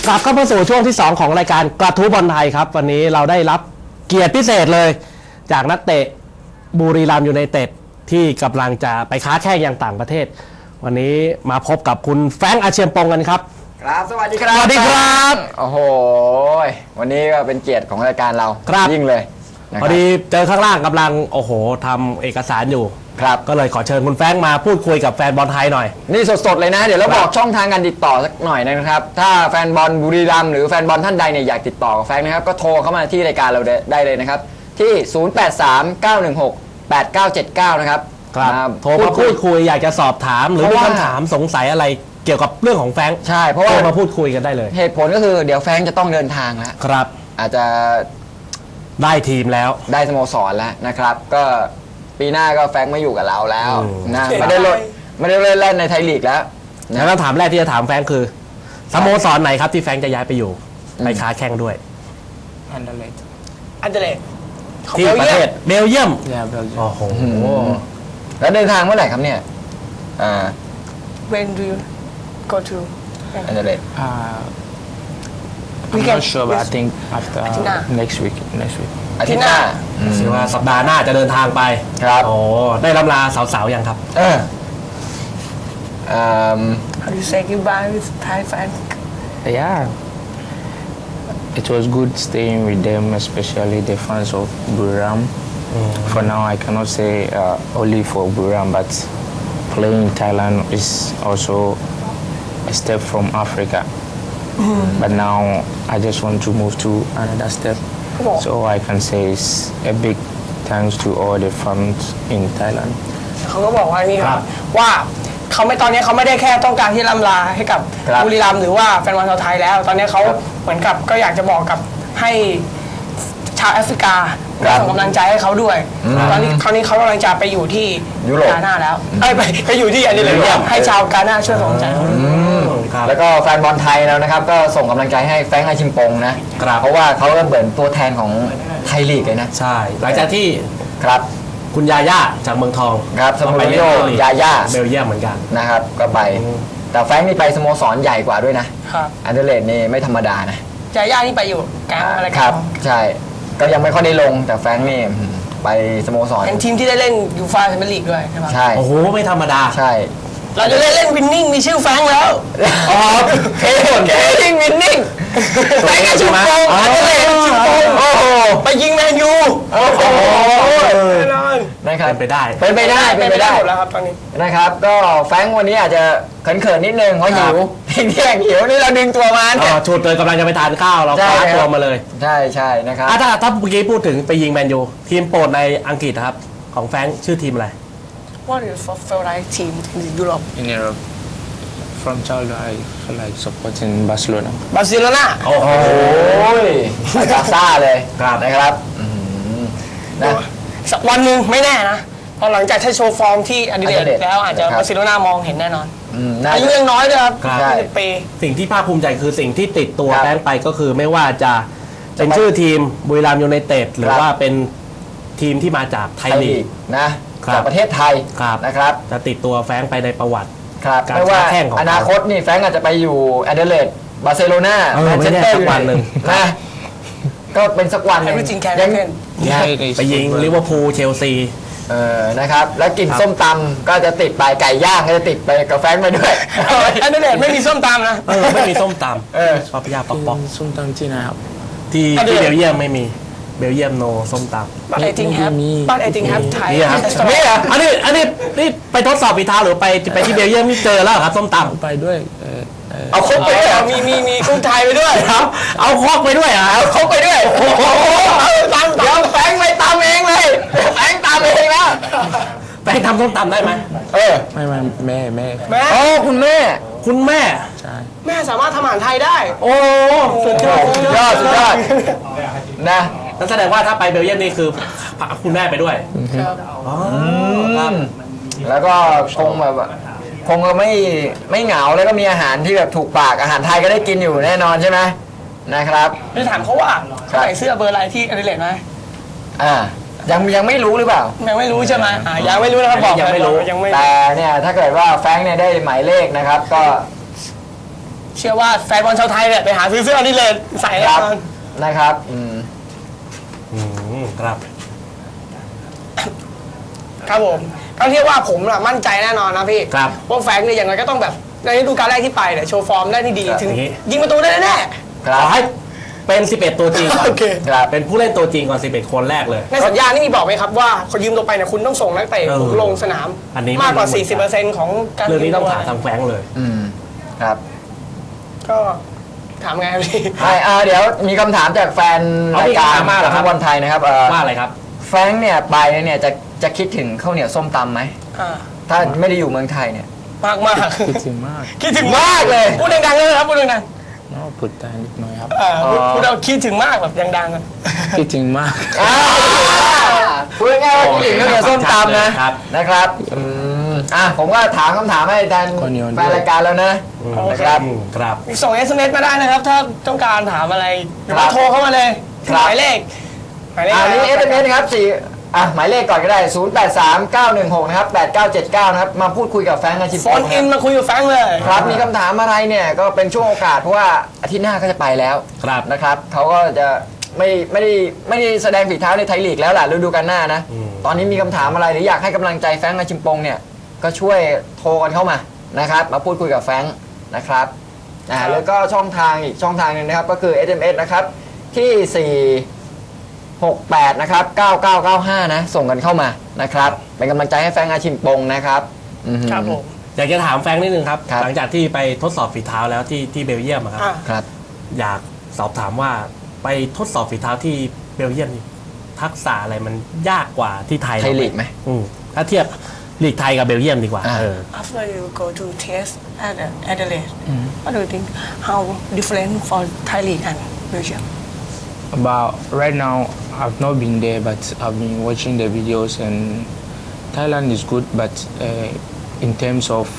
กลับเข้ามาสู่ช่วงที่ 2 ของรายการกระทู้บอลไทยครับวันนี้เราได้รับเกียรติพิเศษเลยจากนักเตะบุรีรัมย์ยูไนเต็ดที่กำลังจะไปค้าแข่งยังต่างประเทศวันนี้มาพบกับคุณแฟรงค์อาเชียมปงกันครับครับสวัสดีครับสวัสดีครับโอ้โหวันนี้ก็เป็นเกียรติของรายการเรายิ่งเลยพอดีเจอข้างล่างกำลังโอ้โหทำเอกสารอยู่ครับก็เลยขอเชิญคุณแฟรงค์มาพูดคุยกับแฟนบอลไทยหน่อยนี่สดๆเลยนะเดี๋ยวเราบอกช่องทางการติดต่อสักหน่อยนะครับถ้าแฟนบอลบุรีรัมย์หรือแฟนบอลท่านใดเนี่ยอยากติดต่อกับแฟรงค์นะครับก็โทรเข้ามาที่รายการเราได้เลยนะครับที่0839168979นะครับโทรมาพูดคุยอยากจะสอบถามหรือมีคำถามสงสัยอะไรเกี่ยวกับเรื่องของแฟรงค์ใช่เพราะว่ามาพูดคุยกันได้เลยเหตุผลก็คือเดี๋ยวแฟรงค์จะต้องเดินทางแล้วครับอาจจะได้ทีมแล้วได้สโมสรแล้วนะครับก็ปีหน้าก็แฟรงค์ไม่อยู่กับเราแล้วนะไม่ได้เล่นในไทยลีกแล้วแล้วคำถามแรกที่จะถามแฟรงค์คือสโมสรไหนครับที่แฟรงค์จะย้ายไปอยู่ไปค้าแข่งด้วยอันเดเลตที่ประเทศเบลเยียมโอ้โหแล้วเดินทางเมื่อไหร่ครับเนี่ย When do you go to อันเดเลต I'm not sure but I think after next week อาทิตย์หน้าคิดว่าสัปดาห์หน้าจะเดินทางไปครับโอ้ได้ลำลาสาวๆยังครับ How do you say goodbye with Thai fans Yeah it was good staying with them especially the fans of Buriram for now I cannot say only for Buriram but playing in Thailand is also a step from Africa but now I just want to move to another step so I can say it's a big thanks to all the fans in Thailand เขาก็บอกว่านี่ครับว่าเขาไม่ตอนนี้เขาไม่ได้แค่ต้องการที่ล่ำลาให้กับบุรีรัมย์หรือว่าแฟนบอลชาวไทยแล้วตอนนี้เขาเหมือนกับก็อยากจะบอกกับให้ชาวแอฟริกาส่งกำลังใจให้เขาด้วยตอนนี้คราวนี้เขากำลังจะไปอยู่ที่กาหน้าแล้วไปอยู่ที่อันนี้เลยให้ชาวกาหน้าช่วยส่งกำลังใจเขาแล้วก็แฟนบอลไทยแล้วนะครับก็ส่งกำลังใจให้แฟรงค์อาชิมปงนะเพราะว่าเขาก็เหมือนตัวแทนของไทยลีกเลยนะใช่หลังจากที่ครับคุณยาย่าจากเมืองทองครับสโมสรยาย่าเบลเยียมเหมือนกันนะครับก็ไปแต่แฟรงค์นี่ไปสโมสรใหญ่กว่าด้วยนะอันเดอร์เลดนี่ไม่ธรรมดานะยาย่านี่ไปอยู่แก๊งอะไรครับใช่ก็ยังไม่ค่อยได้ลงแต่แฟรงค์นี่ไปสโมสรเป็นทีมที่ได้เล่นยูฟ่าแชมเปี้ยนลีกด้วยใช่ไหมใช่โอ้โหไม่ธรรมดาใช่เราจะเล่นวินนิ่งมีชื่อแฟรงค์แล้วอ๋อเคยิ่งวินนิ่งแฟรงค์อาชิมปงอันเดอร์เลดอาชิมปงโอ้โหไปยิงแมนยูโอ้โหนะครับเป็นไปได้หมดแล้วครับตอนนี้นะครับก็แฟรงค์วันนี้อาจจะเขินนิดนึงเพราะหิวเที่ยงหิวนี่เราดึงตัวมาเนี่ยชุดเลยกำลังจะไปทานข้าวเราคว้าตัวมาเลยใช่นะครับถ้าเมื่อกี้พูดถึงไปยิงแมนยูทีมโปรดในอังกฤษครับของแฟรงค์ชื่อทีมอะไร What is your favorite team in Europe in Europe from childhood I feel like supporting Barcelona โอ้โหบาร์ซ่าเลยนะครับนะสักวันหนึ่งไม่แน่นะพอหลังจากที่โชว์ฟอร์มที่อดิเรกแล้วอาจจะบาร์เซโลนามองเห็นแน่นอนอายุยังน้อยด้วยครับ20 ปีสิ่งที่ภาคภูมิใจคือสิ่งที่ติดตัวแฟรงค์ไปก็คือไม่ว่าจะเป็นชื่อทีมบุรีรัมย์ยูไนเต็ดหรือว่าเป็นทีมที่มาจากไทยลีกนะจากประเทศไทยนะครับจะติดตัวแฟรงค์ไปในประวัติไม่ว่าอนาคตนี่แฟรงค์อาจจะไปอยู่แอดเดเลดบาร์เซโลนาแมนเชสเตอร์วันหนึ่งนะก็เป็นสักวันยังไปยิงลิเวอร์พูลเชลซีนะครับแล้วกินส้มตำก็จะติดไปไก่ย่างก็จะติดไปกับแฟรงค์ไปด้วยแอดเดเลดไม่มีส้มตำนะไม่มีส้มตำชอบพิยาป๊อกส้มตำที่ไหนครับที่เบลเยียมไม่มีเบลเยียมโนส้มตำบ้านไอติงแฮปไทยนี่ครับอันนี้ไปทดสอบฝีเท้าหรือไปที่เบลเยียมนี่เจอแล้วครับส้มตำไปด้วยเอาครกไปด้วยมีกุ้งไทยไปด้วยครับเอาครกไปด้วยเอาครกไปด้วยโอ้โหเดี๋ยวแฟรงค์ไม่ตำเองเลยแฟรงค์ตำเองแล้วแฟรงค์ทำส้มตำได้ไหมไม่แม่โอ้คุณแม่ใช่แม่สามารถทำอาหารไทยได้โอ้สุดยอดนะนั่นแสดงว่าถ้าไปเบลเยียมนี่คือคุณแม่ไปด้วยแล้วก็คงไม่เหงาแล้วก็มีอาหารที่แบบถูกปากอาหารไทยก็ได้กินอยู่แน่นอนใช่ไหมนะครับจะถามเขาว่าใส่เสื้อเบอร์อะไรที่อดิเรกไหมยังไม่รู้หรือเปล่ายังไม่รู้ใช่ไหมยังไม่รู้นะครับบอกยังไม่รู้แต่เนี่ยถ้าเกิดว่าแฟรงค์เนี่ยได้หมายเลขนะครับก็เชื่อว่าแฟนบอลชาวไทยเนี่ยไปหาซื้อเสื้อนี่เลยใส่แน่ครับนอนนะครับครับครับผมก็เรียกว่าผมน่ะมั่นใจแน่นอนนะพี่ครับว่าแฟรงค์เนี่ยอย่างไรก็ต้องแบบในฤดูกาลแรกที่ไปเนี่ยโชว์ฟอร์มได้ที่ดีครับถึงอย่างนี้ยิงประตูได้แน่ครัขบอให้เป็น 11 ตัวจริงก่อนโอเคครับเป็นผู้เล่นตัวจริงก่อน 11 คนแรกเลยในสัญญานี่มีบอกไหมครับว่าคนยืมตัวไปเนี่ยคุณต้องส่งนักเตะเออลงสนามอันนี้มากกว่าไม่รู้เหมือนกัน 40%ของการเรื่องนี้ต้องยืมถามตัวทางแฟรงค์เลยครับก็ถามไงครับพี่เดี๋ยวมีคำถามจากแฟนเอารายมีการคำถามมาเหรอครับฟุตบอลไทยนะครับว่าอะไรครับแฟรงค์เนี่ยไปเนี่ยจะคิดถึงข้าวเหนียวส้มตำไหมอ่าถ้าไม่ได้อยู่เมืองไทยเนี่ยมากมากคิดถึงมากคิดถึงมากเลยพูดดังๆเลยครับพูดดัง no พูดได้นิดหน่อยครับๆพูดเอาคิดถึงมากแบบดังๆอะคิดถึงมากพูดง่ายๆว่าคิดถึงข้าวเหนียวส้มตำนะครับผมก็ถามคำถามให้แทนข้าวเหนียวด้วยแฟนรายการแล้วนะนะครับครับส่ง SMS มาได้นะครับ ถ้าต้องการถามอะไรหรือว่าครับโทรเข้ามาเลยคหรับมายเลขะนี่ไร SMS นะครับหมายเลขก่อนก็ได้ 083916นะครับ8979นะครับมาพูดคุยกับแฟรงค์อาชิมโฟนอินมาคุยกับแฟรงค์เลยครับมีคำถามอะไรเนี่ยก็เป็นช่วงโอกาสเพราะว่าอาทิตย์หน้าก็จะไปแล้วครับนะครับเขาก็จะไม่ได้แสดงฝีเท้าในไทยลีกแล้วล่ะฤดูกาลหน้านะ ตอนนี้มีคำถามอะไรหรืออยากให้กำลังใจแฟรงค์อาชิมปงเนี่ยก็ช่วยโทรกันเข้ามานะครับมาพูดคุยกับแฟรงค์นะครับแล้วก็ช่องทางอีกช่องทางหนึงนะครับก็คือ SMS นะครับที่468นะครับ9995นะส่งกันเข้ามานะครับเป็นกำลังใจให้แฟรงค์อาชิมปงนะครับครับผมอยากจะถามแฟรงค์นิดนึงครับครับหลังจากที่ไปทดสอบฝีเท้าแล้วที่เบลเยียมอะครับอ่ะครับอยากสอบถามว่าไปทดสอบฝีเท้าที่เบลเยียมนี่ทักษะอะไรมันยากกว่าที่ไทยไทยลีกไหมถ้าเทียบลีกไทยกับเบลเยียมดีกว่า After you go to test at Adelaide what do you think how different for Thai League and Belgium About right now, I've not been there, but I've been watching the videos, and Thailand is good. But in terms of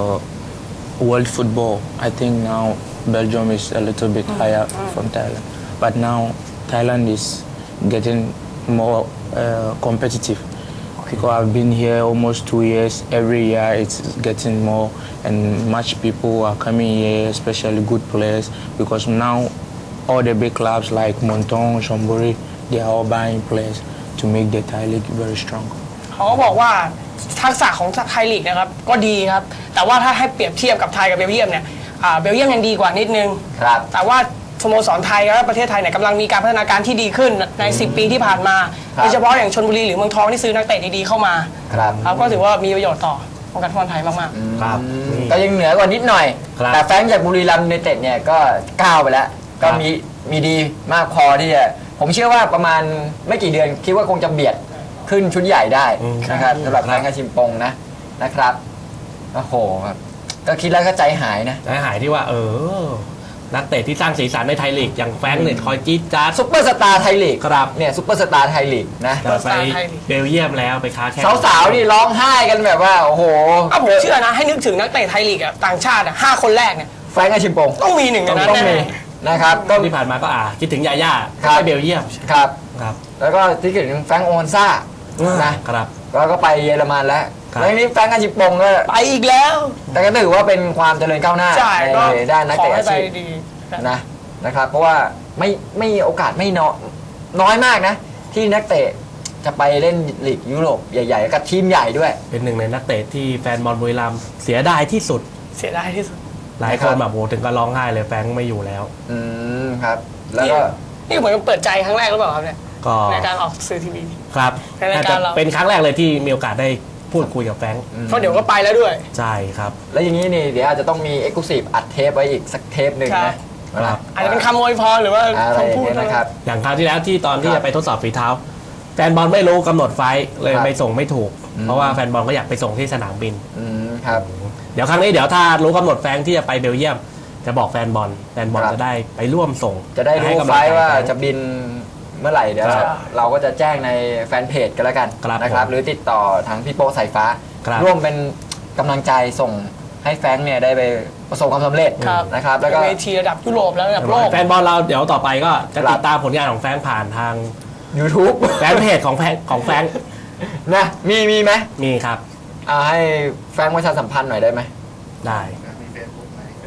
world football, I think now Belgium is a little bit higher from Thailand. But now Thailand is getting more competitive. Because I've been here almost 2 years. Every year it's getting more, and much people are coming here, especially good players. Because now all the big clubs like Montong, Chonburi, they are all buying players to make the Thai league very strong. เขาก็บอกว่าทักษะของไทยลีกนะครับก็ดีครับแต่ว่าถ้าให้เปรียบเทียบกับไทยกับเบลเยียมเนี่ยเบลเยียมยังดีกว่านิดนึงครับแต่ว่าสโมสรไทยและประเทศไทยเนี่ยกำลังมีการพัฒนาการที่ดีขึ้นใน 10 ปีที่ผ่านมาครับโดยเฉพาะอย่างชลบุรีหรือเมืองทองที่ซื้อนักเตะดีๆเข้ามาครับครับก็ถือว่ามีประโยชน์ต่อวงการฟุตบอลไทยมากครับก็ยังเหนือกว่านิดหน่อยครับแต่แฟรงค์จากบุรีรัมย์ยูไนเต็ดเนี่ยก็ก้าวไปแล้ว ก็มีดีมากพอที่จะผมเชื่อว่าประมาณไม่กี่เดือนคิดว่าคงจะเบียดขึ้นชุดใหญ่ได้นะครับสำหรับแฟรงค์อาชิมปงนะครับโอ้โหครับก็คิดแล้วก็ใจหายนะหายที่ว่านักเตะที่สร้างสีสันในไทยลีกอย่างแฟรงค์เนี่ยคอยจี๊ดจ๊าดซุปเปอร์สตาร์ไทยลีกครับเนี่ยซุปเปอร์สตาร์ไทยลีกนะจะไปเบลเยียมแล้วไปค้าแข่งสาวๆนี่ร้องไห้กันแบบว่าโอ้โหๆก็ผมเชื่อนะให้นึกถึงนักเตะไทยลีกต่างชาติ5 คนแรกเนี่ยแฟรงค์อาชิมปงต้องมีหนึ่งในนั้นต้องมีแน่นะครับก็ที่ผ่านมาก็คิดถึงยาย่าครับไปเบลเยียมครับครับแล้วก็ที่ถึงแฟรงค์โอฮันซ่านะครับแล้วก็ไปเยอรมันแล้วครับแล้วนี้แฟรงค์อาชิมปงก็ไปอีกแล้วแต่ก็ถือว่าเป็นความเจริญก้าวหน้าใช่ก็ในด้านนักขอเตะให้อาไปชีพดีนะครับเพราะว่าไม่โอกาสไม่น้อยมากนะ ที่นักเตะจะไปเล่นลีกยุโรปใหญ่ๆกับทีมใหญ่ด้วยเป็นหนึ่งในนักเตะที่แฟนบอลบุรีรัมย์เสียดายที่สุดเสียดายที่สุดหลายคนแบบโหถึงก็ร้องไห้เลยแฟรงค์ไม่อยู่แล้วครับ แล้วก็นี่เหมือนกับเปิดใจครั้งแรกหรือเปล่าครับเนี่ยก็ในการออกสื่อทีวีครับในรายการเราเป็นครั้งแรกเลยที่มีโอกาสได้พูดคุยกับแฟรงค์เพราะเดี๋ยวก็ไปแล้วด้วยใช่ครับแล้วอย่างนี้นี่เดี๋ยวอาจจะต้องมีเอ็กซ์คลูซีฟอัดเทปไว้อีกสักเทปหนึ่งครันะบครับอาจจะเป็นคำอวยพรหรือว่าอะไรอย่างคำพูดเงี้ยนะครับอย่างคราวที่แล้วที่ตอนที่ครับจะไปทดสอบฝีเท้า แฟนบอลไม่รู้กำหนดไฟล์เลยครับไปส่งไม่ถูก เพราะว่าแฟนบอลก็อยากไปส่งที่สนามบินครับเดี๋ยวครั้งนี้เดี๋ยวถ้ารู้กำหนดแฟรงค์ที่จะไปเบลเยียม จะบอกแฟนบอลครับจะได้ไปร่วมส่งจะได้รู้ให้กำไฟลังใจล์ว่าแฟรงค์จะบินเมื่อไหร่เดี๋ยวครับเราก็จะแจ้งในแฟนเพจกันแล้วกันครับนะครับผมหรือติดต่อทางพี่โป้สายฟ้าครับร่วมเป็นกำลังใจส่งให้แฟรงค์เนี่ยได้ไปประสบความสำเร็จครับนะครับ แล้วก็เวทีระดับยุโรปแล้วระดับโลกแฟนบอลเราเดี๋ยวต่อไปก็จะครับติดตามผลงานของแฟรงค์ผ่านทาง YouTube แฟนเพจของแฟรงค์นะมีไหมมีครับให้แฟรงค์ประชาสัมพันธ์หน่อยได้ไหมได้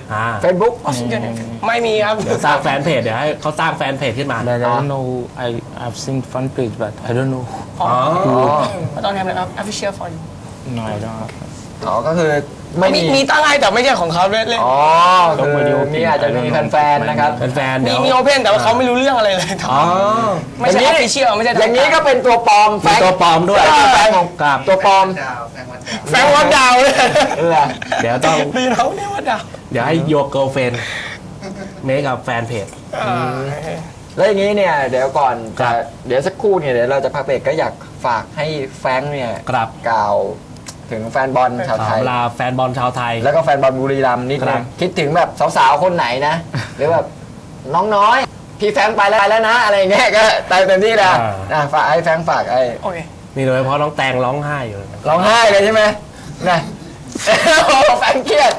Facebook ไม่มีครับเดี๋ยวสร้างแฟนเพจเดี๋ยวให้เขาสร้างแฟนเพจขึ้นมา But I don't know. I've seen fan page, but I don't know. อ๋ออ๋อ I don't have an official for you No, I don't have. อ๋อก็คือไม่มีมีตั้งให้แต่ไม่ใช่ของเขาเล่นอ๋อคือมีอาจจะมีแฟนๆนะครับแฟนๆเดี๋ยวมีโอเพนแต่ว่าเขาไม่รู้เรื่องอะไรเลยอ๋อไม่ใช่ official ไม่ใช่อย่างนี้ก็เป็นตัวปลอมแฟมีนตัวปลอมด้วยแฟนของครับตัวปลอมแฟนวัดดาวเลยเดี๋ยวต้องดีเราเนี่ยวัดดาวเดี๋ยวให้โยโกเฟนเมคกับแฟนเพจแล้วอย่างนี้เนี่ยเดี๋ยวก่อนครัจะบเดี๋ยวสักครู่เนี่ยเดี๋ยวเราจะพักเบรกก็อยากฝากให้แฟรงค์เนี่ยครับกล่าวถึงแฟนบอลชาวไทยลาแฟนบอลชาวไทยแล้วก็แฟนบอลบุรีรัมย์นิดคนึรังบคิดถึงแบบสาวๆคนไหนนะ หรือแบบน้องน้อย พี่แฟรงค์ไปแล้วนะ อะไรอย่างเงี้ยก็เต็มที่แล้วฝากให้แฟรงค์ฝากไอ้โอเคนี่โดยเฉพาะน้องแตงร้องไห้อยู่เลยร้องไห้เลยใช่ไหมนะโอ้แฟรงค์เครียด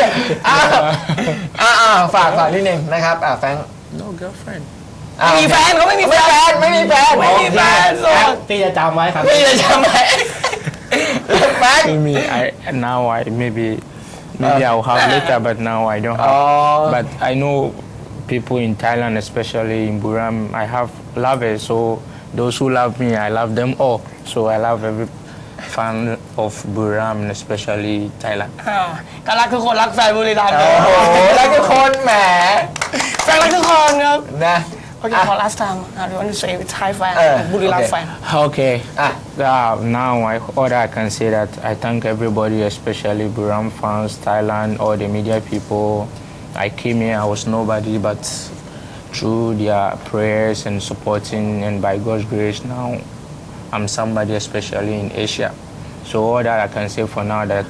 ฝากนิดนึงนะครับแฟรงค์ No girlfriend. มีแฟนเขาไม่มีแฟนไม่มีแฟนไม่มีแฟนโอเคพี่จะจำไว้ครับพี่จะทำไมแฟรงค์ Maybe now I maybe I'll have later, but now I don't have. Oh. But I know people in Thailand, especially in Buram, I have lovers. So those who love me, I love them all. So I love every fan of Buram, and especially Thailand. ก็รักทุกคนรักแฟนบุรีรัมย์โอ้โหแล้วทุกคนแหมแฟนรักทุกคนครับนะโอเค for last time I want to say with Thai fan บุรีรัมย์แฟน Okay. Ah. Now all I can say that I thank everybody, especially Buram fans, Thailand, all the media people. I came here, I was nobody, but through their prayers and supporting, and by God's grace, now I'm somebody, especially in Asia. So all that I can say for now that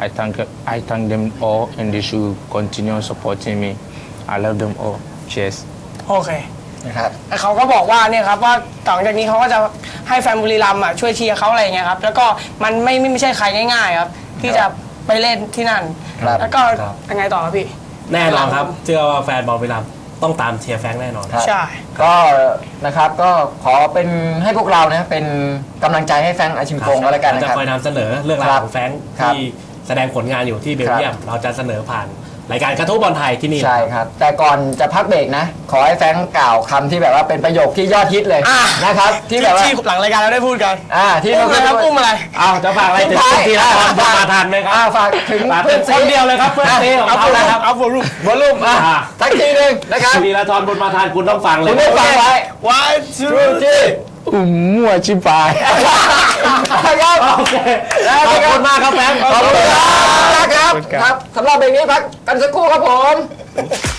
I thank them all, and they should continue supporting me. I love them all. Cheers. โอเคนะครับเขาก็บอกว่าเนี่ยครับว่าต่อจากนี้เขาก็จะให้แฟนบุรีรัมย์ช่วยเชียร์เขาอะไรอย่างเงี้ยครับแล้วก็มันไม่ใช่ใครง่ายๆครับที่จะไปเล่นที่นั่นครับแล้วก็ยังไงต่อครับพี่แน่นอนครับ เชื่อว่าแฟนบอลบุรีรัมย์ต้องตามเชียร์แฟรงค์แน่นอนครับใช่ก็นะครับก็ขอเป็นให้พวกเรานะเป็นกำลังใจให้แฟรงค์อาชิมโปงก็แล้วกันเรานะจะครับคอยนำเสนอเรื่องราวของแฟรงค์ครับที่แสดงผลงานอยู่ที่เบลเยียม เราจะเสนอผ่านรายการกระทู้บอลไทยที่นี่ใช่ครับ แต่ก่อนจะพักเบรกนะ ขอให้แฟรงค์กล่าวคำที่แบบว่าเป็นประโยคที่ยอดฮิตเลยนะครับ ที่แบบว่าที่หลังรายการเราได้พูดกันที่อุ้มอะไรครับอุ้มอะไรเอาจะฝากอะไรถึงทีละคนมาทันไหมครับฝากถึงฝากเพื่เพื่ออน นซีคนเดียวเลยครับเพื่อนซีของเขานะครับเอาโฟลูวอลลุ่มสักทีหนึ่งนะครับธีรทรบุญมาทานคุณต้องฟังเลยคุณได้ฟังไว้ one จู two จี้ Mua chipai. ครับโอเคขอบคุณมากครับแฟรงค์ขอบคุณครับครับสำหรับเบรกนี้พักกันสักครู่ครับผม